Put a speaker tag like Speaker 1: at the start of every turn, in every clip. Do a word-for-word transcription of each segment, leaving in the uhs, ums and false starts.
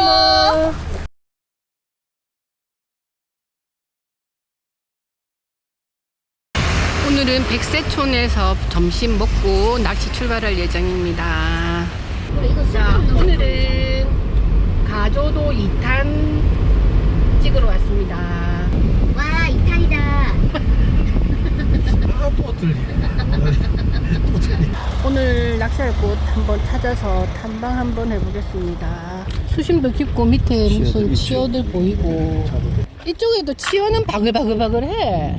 Speaker 1: 이모. 오늘은 백세촌에서 점심 먹고 낚시 출발할 예정입니다. 자, 오늘은 가조도 이 탄 찍으러 왔습니다.
Speaker 2: 와, 이 탄이다.
Speaker 3: 아, 또 들리네. 또 들리네.
Speaker 1: 오늘 낚시할 곳 한번 찾아서 탐방 한번 해보겠습니다. 수심도 깊고 밑에 무슨 치어들 보이고, 이쪽에도 치어는 바글바글바글해.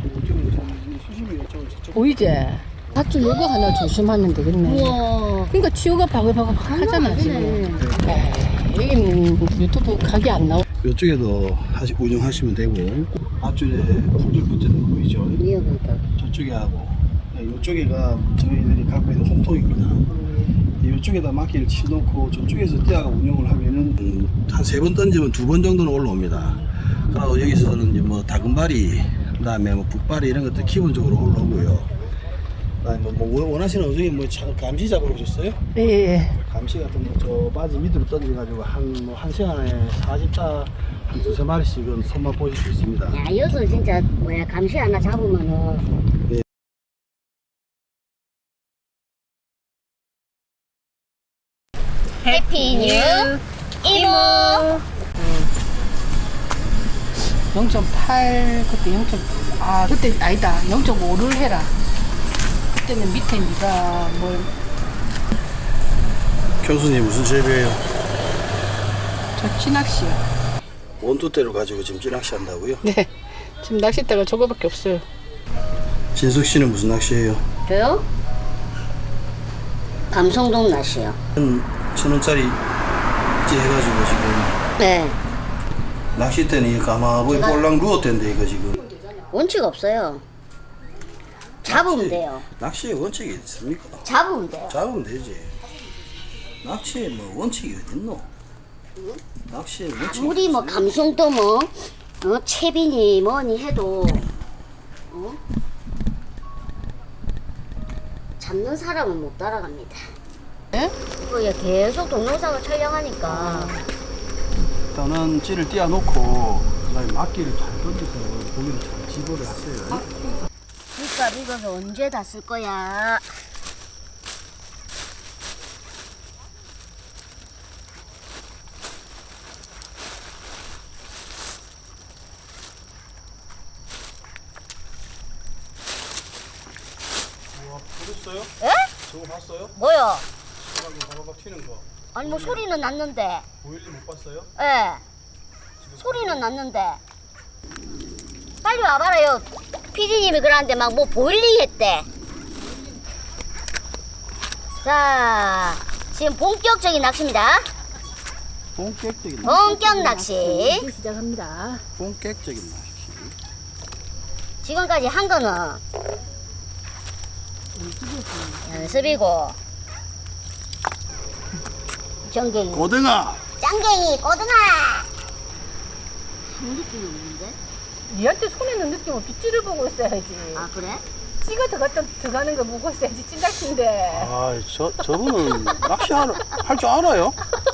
Speaker 1: 보이지? 밧줄 요거 하나 조심하면 되겠네.
Speaker 2: 우와.
Speaker 1: 그러니까 치어가 바글바글 하잖아 지금. 여기는 유튜브 각이 안 나오.
Speaker 3: 이쪽에도 하시, 운영하시면 되고, 앞줄에 풀들 붙는 거 보이죠?
Speaker 2: 위험하다.
Speaker 3: 저쪽에 하고, 이쪽에가 저희들이 갖고 있는 홈통입니다. 이쪽에다 막기를 치놓고 저쪽에서 떼어가 운영을 하면은 음, 한 세 번 던지면 두 번 정도는 올라옵니다. 그리고 여기서는 이제 뭐 다금바리, 그다음에 뭐 북바리 이런 것들 기본적으로 올라오고요. 그다음에 뭐, 뭐 원하시는 어종이 뭐 감시 잡으러 오셨어요?
Speaker 1: 예.
Speaker 3: 감시 같은 거 저 바지 밑으로 던져가지고 한 뭐 한 시간에 사십 타 한 두세 마리씩은 손맛 보실 수 있습니다.
Speaker 2: 야, 여기서 진짜 뭐야 감시 하나 잡으면은.
Speaker 3: 네.
Speaker 2: 해피 뉴 이모.
Speaker 1: 영 점 팔 그때 영. 아 그때 아니다 영 점 오를 해라. 그때는 밑에 네가 뭘.
Speaker 3: 교수님 무슨 재배예요?
Speaker 1: 저 찌낚시요.
Speaker 3: 원투대로 가지고 지금 찌낚시 한다고요?
Speaker 1: 네. 지금 낚싯대가 저거밖에 없어요.
Speaker 3: 진숙 씨는 무슨 낚시예요?
Speaker 2: 저요? 감성동 낚시요.
Speaker 3: 한 천 원짜리 찌 해가지고 지금
Speaker 2: 네.
Speaker 3: 낚싯대는 이 가마보이 볼랑 루어대인데 이거 지금
Speaker 2: 원칙 없어요. 잡으면
Speaker 3: 낚시,
Speaker 2: 돼요.
Speaker 3: 낚시에 원칙이 있습니까?
Speaker 2: 잡으면 돼요.
Speaker 3: 잡으면 되지. 낚시에 뭐 원칙이 어딨노? 낚시에 원칙이
Speaker 2: 아무리 뭐
Speaker 3: 없어요.
Speaker 2: 감성도 뭐 어, 채빈이 뭐니 해도 어? 잡는 사람은 못 따라갑니다.
Speaker 1: 네?
Speaker 2: 이거 얘 계속 동영상을 촬영하니까
Speaker 3: 일단은 찌를 띄워놓고 그다음에 막기를 잘 던져서 고기를 잘 집어를 하세요.
Speaker 2: 그러니까 이거 언제 다 쓸 거야?
Speaker 3: 우와, 보셨어요?
Speaker 2: 에?
Speaker 3: 저거 봤어요?
Speaker 2: 뭐요?
Speaker 3: 바닥에 바바박 튀는 거.
Speaker 2: 아니 뭐 소리는 났는데
Speaker 3: 보일리 못 봤어요?
Speaker 2: 예 소리는 났는데 빨리 와봐라요. 피디님이 그러는데 막 뭐 보일리 했대. 자 지금 본격적인 낚시입니다.
Speaker 3: 본격적인 낚시.
Speaker 2: 본격 낚시.
Speaker 1: 이제 시작합니다.
Speaker 3: 본격적인 낚시.
Speaker 2: 지금까지 한 거는 연습이고 정갱이
Speaker 3: 고등어.
Speaker 2: 짱갱이 꼬등아 한 느낌이 없는데?
Speaker 1: 니한테 손에 있는 느낌 없이 찌를 보고 있어야지.
Speaker 2: 아 그래?
Speaker 1: 찌가 들어갔다 들어가는 거 보고 있어야지 찐낚시인데.
Speaker 3: 아, 저 저분은 낚시 할 줄 알아요?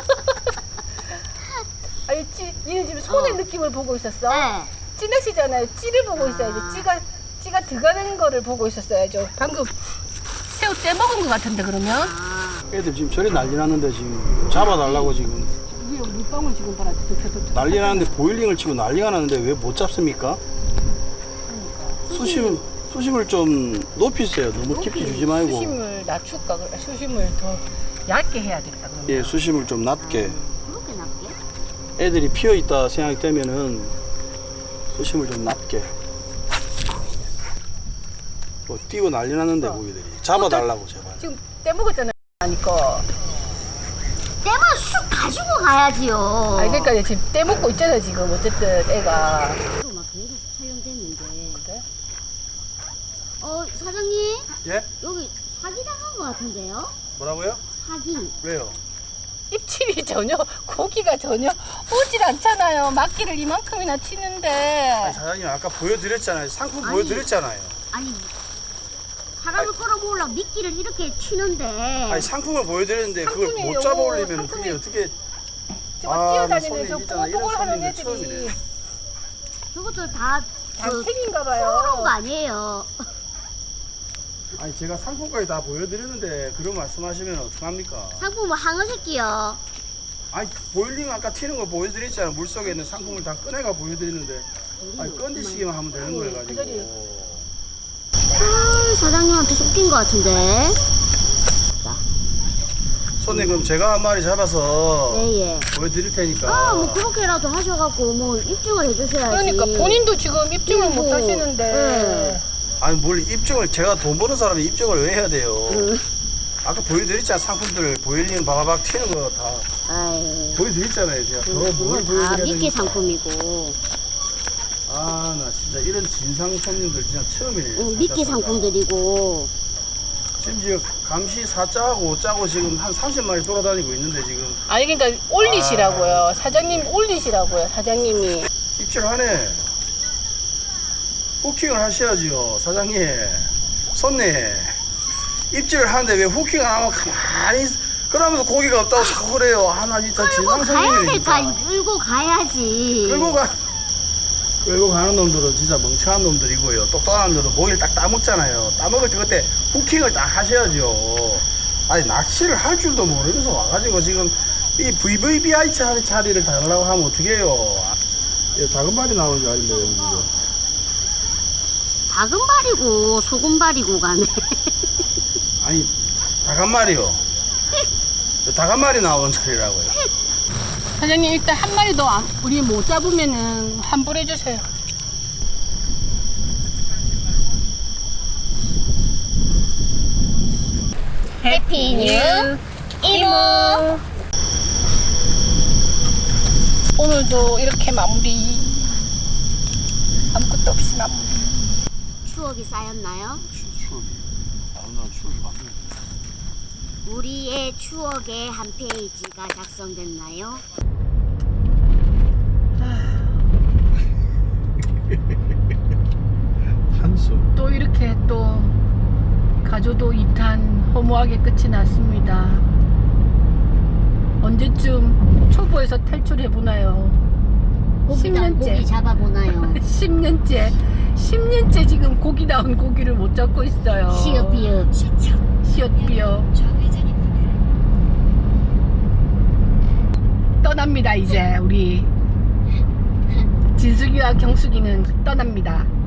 Speaker 1: 아니 찌, 니는 지금 손의
Speaker 2: 어.
Speaker 1: 느낌을 보고 있었어?
Speaker 2: 네.
Speaker 1: 찌낚시잖아요. 찌를 보고
Speaker 2: 아.
Speaker 1: 있어야지. 찌가 찌가 들어가는 거를 보고 있었어야죠. 방금 새우 떼먹은 거 같은데 그러면?
Speaker 2: 아
Speaker 3: 애들 지금 저리 난리 났는데 지금 잡아달라고 지금
Speaker 1: 위에 물방울 지금 봐라. 두둑두둑.
Speaker 3: 난리 나는데 보일링을 치고 난리가 나는데 왜 못 잡습니까? 수심 수심을 좀 높이세요. 너무 깊이 주지 말고.
Speaker 1: 수심을 낮출까? 그래. 수심을 더 얇게 해야겠다. 그러면.
Speaker 3: 예, 수심을 좀 낮게.
Speaker 2: 그렇게 낮게?
Speaker 3: 애들이 피어 있다 생각이 되면은 수심을 좀 낮게. 뭐 뛰고 난리 났는데 고기들이 잡아달라고 제발.
Speaker 1: 지금 떼먹었잖아요. 하니까.
Speaker 2: 때만 쑥 가지고 가야지요.
Speaker 1: 아니 그러니까 지금 떼먹고 있잖아 지금 어쨌든 애가.
Speaker 2: 막 계속 촬영됐는데.
Speaker 1: 그래?
Speaker 2: 어 사장님
Speaker 3: 예?
Speaker 2: 여기 사기 당한 것 같은데요?
Speaker 3: 뭐라고요?
Speaker 2: 사기.
Speaker 3: 왜요?
Speaker 1: 입질이 전혀 고기가 전혀 오질 않잖아요. 막기를 이만큼이나 치는데.
Speaker 3: 사장님 아까 보여드렸잖아요. 상품
Speaker 2: 아니.
Speaker 3: 보여드렸잖아요.
Speaker 2: 아니 사람을 끌어모으려 미끼를 이렇게 치는데
Speaker 3: 아니 상품을 보여드렸는데 그걸
Speaker 1: 상품이에요.
Speaker 3: 못 잡아올리면 그게
Speaker 1: 상품이-
Speaker 3: 어떻게
Speaker 1: 저거
Speaker 3: 아,
Speaker 1: 뛰어다니는
Speaker 3: 손님
Speaker 1: 저
Speaker 3: 있잖아. 이런
Speaker 1: 뽀뽀를 하는
Speaker 3: 손님들
Speaker 1: 애들이
Speaker 3: 처음이네.
Speaker 2: 저것들 다 그,
Speaker 1: 장택인가
Speaker 2: 그런 거
Speaker 1: 봐요.
Speaker 2: 아니에요.
Speaker 3: 아니 제가 상품까지 다 보여드렸는데 그런 말씀하시면 어떡합니까?
Speaker 2: 상품은 항어 새끼요.
Speaker 3: 아니 보일링 아까 튀는 거 보여드렸잖아. 물속에 있는 상품을 다 꺼내가 보여드리는데 아니 건드시기만 하면 되는 거여
Speaker 1: 그 자리.
Speaker 3: 가지고
Speaker 2: 아, 사장님한테 쫓긴 거 같은데.
Speaker 3: 손님 그럼 제가 한 마리 잡아서
Speaker 2: 예예.
Speaker 3: 보여드릴 테니까
Speaker 2: 아, 뭐 그렇게라도 하셔갖고 뭐 입증을 해주셔야지.
Speaker 1: 그러니까 본인도 지금 입증을
Speaker 2: 그리고,
Speaker 1: 못 하시는데.
Speaker 2: 네.
Speaker 3: 아니 뭘 입증을 제가 돈 버는 사람이 입증을 왜 해야 돼요?
Speaker 2: 음.
Speaker 3: 아까 보여드렸잖아. 상품들 보일링 바바박 튀는 거 다
Speaker 2: 아유.
Speaker 3: 보여드렸잖아요. 제가 더 뭘
Speaker 2: 그건 다
Speaker 3: 보여드려야
Speaker 2: 미끼
Speaker 3: 됩니까?
Speaker 2: 상품이고,
Speaker 3: 아 나 진짜 이런 진상 손님들 진짜 처음이네.
Speaker 2: 응, 미끼
Speaker 3: 살다 살다.
Speaker 2: 상품들이고.
Speaker 3: 심지어 감시 사자하고 오자고 지금 한 삼십 마리 돌아다니고 있는데 지금
Speaker 1: 아니 그러니까 올리시라고요. 사장님 올리시라고요. 사장님이.
Speaker 3: 입질하네. 후킹을 하셔야죠 사장님. 손님 입질을 하는데 왜 후킹을 안 하면 가만히 있- 그러면서 고기가 없다고 자꾸 그래요. 하나 진짜
Speaker 2: 끌고
Speaker 3: 진상
Speaker 2: 가야
Speaker 3: 손님이네
Speaker 2: 될까?
Speaker 3: 진짜.
Speaker 2: 끌고 가야지.
Speaker 3: 끌고 가 끌고 가는 놈들은 진짜 멍청한 놈들이고요. 똑똑한 놈들은 고기를 딱 따먹잖아요. 따먹을 때 그때 후킹을 딱 하셔야죠. 아니 낚시를 할 줄도 모르면서 와가지고 지금 이 브이브이비아이 자리, 자리를 달라고 하면 어떡해요. 예, 작은 발이 나오는 자리인데 여기 지금.
Speaker 2: 작은 발이고 소금 발이고 가네.
Speaker 3: 아니 닭 한 마리요. 닭 한 마리 나오는 자리라고요.
Speaker 1: 사장님 일단 한 마리 더 안- 우리 못 잡으면은 환불해 주세요.
Speaker 2: 해피 뉴 이모.
Speaker 1: 오늘도 이렇게 마무리. 아무것도 없이 마무리.
Speaker 2: 추억이 쌓였나요?
Speaker 3: 추억이 아름다운 추억이 많네.
Speaker 2: 우리의 추억의 한 페이지가 작성됐나요?
Speaker 3: 한숨.
Speaker 1: 또 이렇게 또 가조도 이 탄 허무하게 끝이 났습니다. 언제쯤 초보에서 탈출해 보나요?
Speaker 2: 고기당 고기 잡아보나요?
Speaker 1: 십 년째 십 년째 지금 고기다운 고기를 못 잡고 있어요.
Speaker 2: 시어비어.
Speaker 1: 시옷비어 떠납니다. 이제 우리 진숙이와 경숙이는 떠납니다.